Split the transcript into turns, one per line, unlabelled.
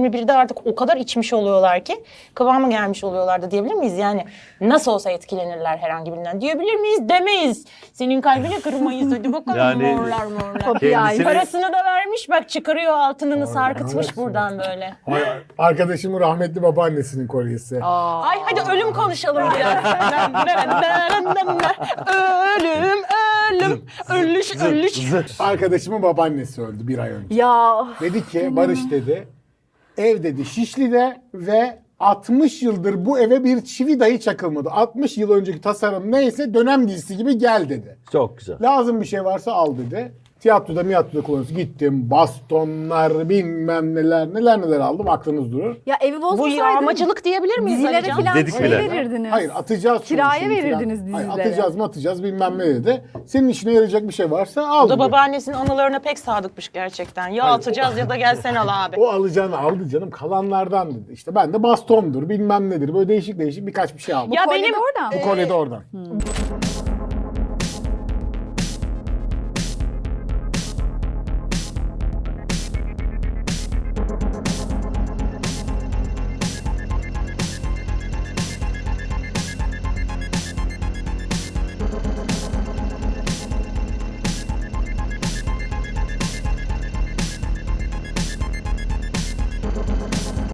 2021'de artık o kadar içmiş oluyorlar ki kıvamı gelmiş oluyorlar da diyebilir miyiz? Yani nasıl olsa etkilenirler herhangi birinden diyebilir miyiz? Demeyiz. Senin kalbini kırmayız hadi bakalım
Yani-
morlar morlar.
Kendisini-
Parasını da vermiş bak çıkarıyor altınını sarkıtmış
evet.
buradan böyle.
Arkadaşımın rahmetli babaannesinin kolyesi.
Ay hadi ölüm konuşalım biraz. Ölüm, ölüm, ölüş.
Arkadaşımın babaannesi öldü bir ay önce.
Ya
Dedi ki Barış dedi, ev dedi Şişli'de ve 60 yıldır bu eve bir çivi dahi çakılmadı. 60 yıl önceki tasarım neyse dönem dizisi gibi gel dedi.
Çok güzel.
Lazım bir şey varsa al dedi. Tiyatroda kullanıyorsun. Gittim bastonlar bilmem neler aldım aklınız durur.
ya evi
Bu
bozmasaydın
yağmacılık diyebilir miyiz
dizilere
Alican?
falan
Dedik
şey
bile.
verirdiniz.
Hayır atacağız.
Kiraya
şimdi falan.
verirdiniz
Hayır,
dizilere.
atacağız bilmem ne dedi. Senin işine yarayacak bir şey varsa al
O da
dedi.
babaannesinin anılarına pek sadıkmış gerçekten. Ya atacağız ya da gelsen al abi.
O alacağını aldı canım kalanlardan dedi. İşte ben de bastondur bilmem nedir böyle değişik birkaç bir şey aldım.
Ya
Kolye de
benim
oradan.
Bu kolye de oradan.